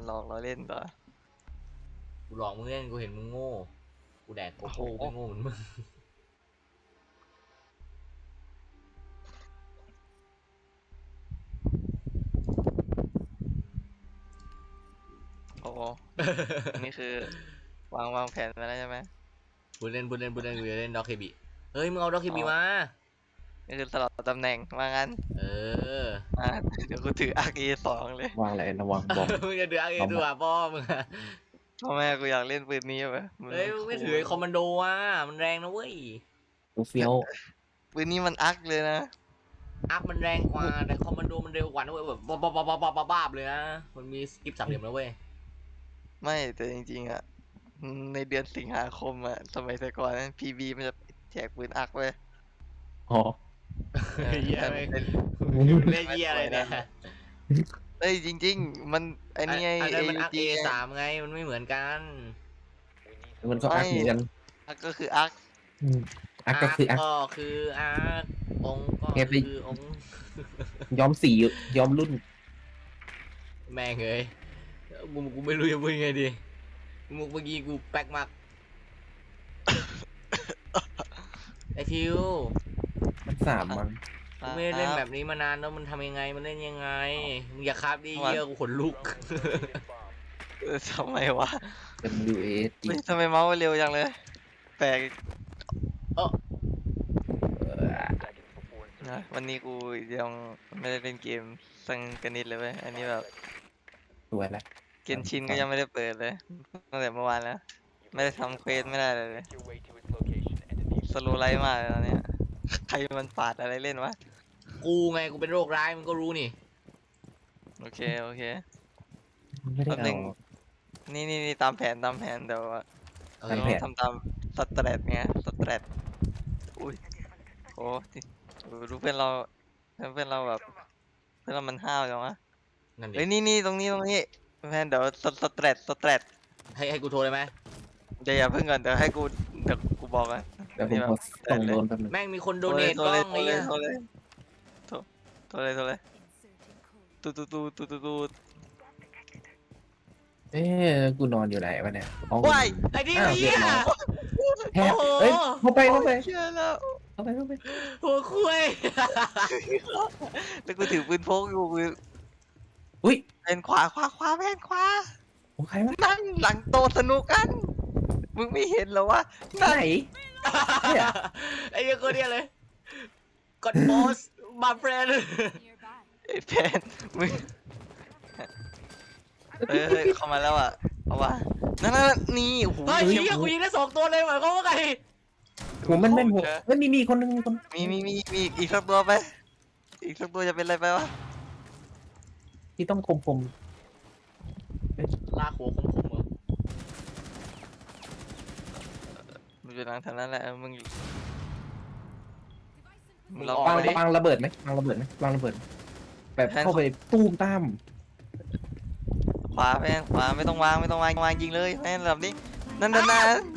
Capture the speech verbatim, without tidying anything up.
มันหลอกเราเล่นต่อกูหลอกมึงเล่นกูเห็นมึงโง่กูแดกโกโก้ไม่โง่เหมือนมึงโอ้โหนี่คือวางวางแผนมาแล้วใช่ไหมบุเล่นบุเล่นบุเล่นกูจะเล่นด็อกเคบีเฮ้ยมึงเอาด็อกเคบีมานี่คือสลับตำแหน่งว่างั้นเอออ่าเดี๋ยวกูถืออาร์เอสองเลยวางอะไรระวังบอมมึงจะดืออะไรดูอ่ะพ่อมึงอะพ่อแม่กูอยากเล่นปืนนี้ไหมเฮ้ยมึงไม่ถือไอ้คอมมานโดอ่ะมันแรงนะเว้ยกูเฟี้ยวปืนนี้มันอักเลยนะอัพมันแรงกว่าแต่คอมมานโดมันเร็วกว่านะเว้ยแบบบ้าบ้าบ้าบ้าบ้าบ้าบ้าเลยนะมันมีสกิปสามเหลี่ยมนะเว้ยไม่แต่จริงๆอ่ะในเดือนสิงหาคมอ่ะสมัยแต่ก่อนนั้นพีบีมันจะแจกปืนอักเว้ยอ๋อเหี้ยไม่เล่นเหี้ยอะไรเนี่ยเอ้ยจริงๆมันไอ้นี่ไงอันนั้นมันอักเอเอสามไงมันไม่เหมือนกันมันก็อักเหมือนกันอักก็คืออักอืมอักก็คืออักก็คืออักองค์ก็เก็บไปคือองค์ย้อมสีย้อมรุ่นแม่งเอ้ยกูกูไม่รู้จะพูดยังไงดีมุกเมื่อกี้กูแป๊กมากไอทิวมันสามมั้งกูไม่ได้เล่นแบบนี้มานานแล้วมันทำยังไงมันเล่นยังไงมึงอย่าคาบดิเยี่ยกูขนลุกเออทำไมวะเป็น W A S G เฮ้ยทำไมเมาส์เร็วจังเลยแปลกเออนะวันนี้กูยังไม่ได้เล่นเกมสังกันนิดเลยเว้ยอันนี้แบบสวยแล้วเกนชินก็ยังไม่ได้เปิดเลยตั้งแต่เมื่อวานแล้วไม่ได้ทำเควสไม่ได้เลยเลยสโลไลท์มากเลยตอนเนี้ยใครมันปาดอะไรเล่นวะกูไงกูเป็นโรคร้ายมึงก็รู้นี่โอเคโอเคไม่ได้แป๊บหนึ่เอาง นี่นี่นี่ตามแผนตามแผนแต่ว่าโอตามเคแผนทำตามสแตรทไงสแตรทอุ้ยโอ้ดูเพื่อนเราเพื่อนเราแบบเพื่อนเรามันห้าวจังวะนั่นดิเฮ้ยนี่นี่ตรงนี้ตรงนี้แพนเดี๋ยวสสแตรทสแตรทให้ให้กูโทรเลยไหมเดี๋ยวอย่าเพิ่งก่อนเดี๋ยวให้กูเดี๋ยวกูบอกกันเดี๋ยวผมขอส่งโดนแป๊บนึงแม่งมีคนโดโทรเนเลยทโทกรล้เลอย งโทรไอ้เลยเหี้ยโทรเลยโทรโทรเลยโทรเลยตูตูตูตูตูตูเอ๊ะกูนอนอยู่ไหนวะเนี่ยห้องว้ายไอ้นี่อ้าวไอ้เหี้ยแทบโอ้โหเอ้ยเข้าไปเข้าไปเชื่อแล้วเข้าไปเข้าไปหัวคุยแล้วกูถือปืนพกอยู่กูอุ้ยเป็นขวาขวาขวาแม่นขวาโอ้ใครวะนั่นหลังโตะสนุกกัน มึงไม่เห็นเหรอวะไหน เนี่ยไอ้เหี้ยคนเนี้ยเลยกดโพสมาเฟรนไอ้แพนมึงเออเฮ้ยเข้ามาแล้วอ่ะเอาวะนั่นนั่นนี่โอ้โหเฮ้ยเหี้ยกูยิงได้สองตัวเลยหมายความว่าไงหัวมันแม่นหัวเฮ้ยมีมีคนนึงมีคนมีมีมีมีอีกสักตัวไป อีกสักตัวจะเป็นอะไรไปวะที่ต้องคมคมลากหัวคมๆเหรอมึงอยู่หลังทางนั้นแหละเออมึงมึงลองวางไปดิวางระเบิดไหมวางระเบิดไหมวางระเบิด แบบเข้าไปตู้มตามขวาแพนขวาไม่ต้องวางไม่ต้องวางวางยิงเลยแพนแบบนี้นั่นนั่นนั่น